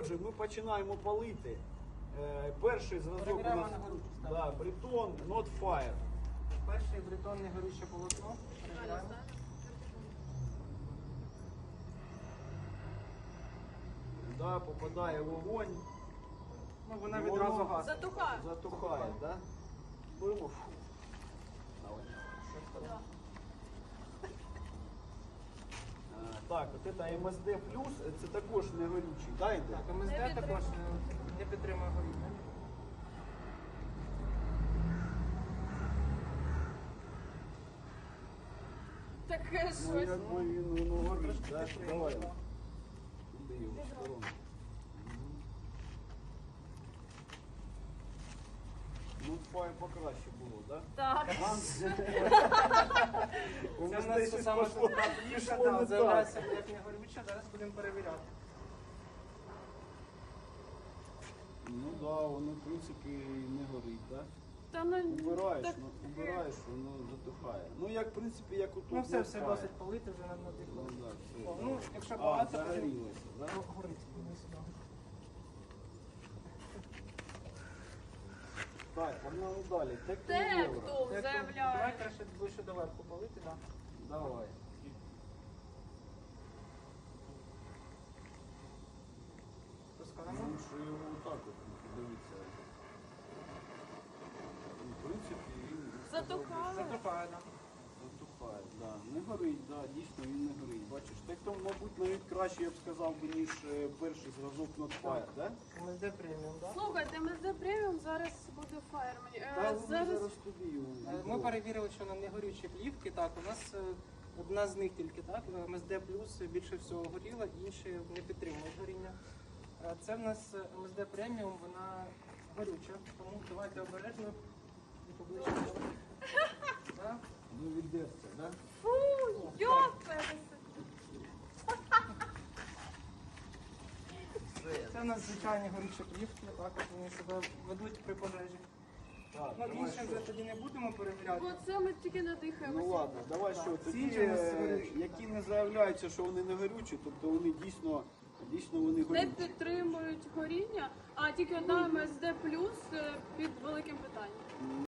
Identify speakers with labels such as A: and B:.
A: Отже, ми починаємо палити. Перший зразок у
B: Перевіряємо
A: нас
B: на горючу
A: да, Breton Not Fire.
B: Перший Breton негорюче полотно. Перевіряємо.
A: Да, попадає вогонь.
B: Ну, вона
A: І
B: відразу
A: воно
B: гасне.
A: Затухає, да? Беремо. Давай. Так, от це МСД плюс, це також не горючий, да, йде?
B: Так, МСД також не підтримує горіння.
C: Таке
A: Ну,
C: щось.
A: якби він воно горить,
B: Трошки
A: да?
B: підтримує.
A: Давай. Туди його в сторону. Ну, фай покраще було, да?
C: Так.
A: У
B: Це в
A: нас
B: нас
A: щось
B: саме
A: пішло
B: плівка,
A: не
B: да,
A: так.
B: з'являється як негорюча, зараз будемо перевіряти.
A: Ну да, воно в принципі не горить, да?
C: Та ну
A: Убираєш,
C: так,
A: ну, убираєш, воно затухає. Ну як в принципі, як у тут.
B: Ну все,
A: не
B: все
A: фай.
B: досить полити вже на
A: Ну
B: надихло.
A: да, все.
B: О, ну, якщо
A: А,
B: багато,
A: загорілося, да?
B: то горить. Іди сюди.
A: Так, погнали далі. Тек
C: Тектул
B: Давай
C: заявляє.
B: краще ближче до верху полити, так.
A: Давай.
B: Пускаємо.
A: Ну, що його отак от дивиться. В принципі, він
C: Затухає.
B: Затухає, так.
A: затухає, да. Не горить, да, дійсно він не горить. Бачиш, так то, мабуть, навіть краще, я б сказав, би, ніж перший зразок Not Fire, да?
B: МСД преміум, так?
C: Слухайте, МСД преміум зараз буде фаєр мені.
A: Та ну,
C: Зараз
A: зараз тобі його.
B: Ми перевірили, що на негорючі плівки, так, у нас одна з них тільки, так, МСД плюс більше всього горіла, інші не підтримують горіння. Це в нас МСД преміум, вона горюча, тому давайте обережно і поближче. Так.
A: Ну, віддерся, да?
C: фу, йопер.
B: Це у нас звичайні горючі плівки, так, от вони себе ведуть при пожежі.
A: Так,
B: Ну,
A: давай
B: інші
A: що?
B: вже тоді не будемо перевіряти.
C: Бо це ми тільки надихаємося.
A: Ну ладно, давай що, тоді,
B: Ці ж у нас горючі.
A: які не заявляються, що вони не горючі, тобто вони дійсно вони
C: Не
A: горючі.
C: підтримують горіння, а тільки одна МСД плюс під великим питанням.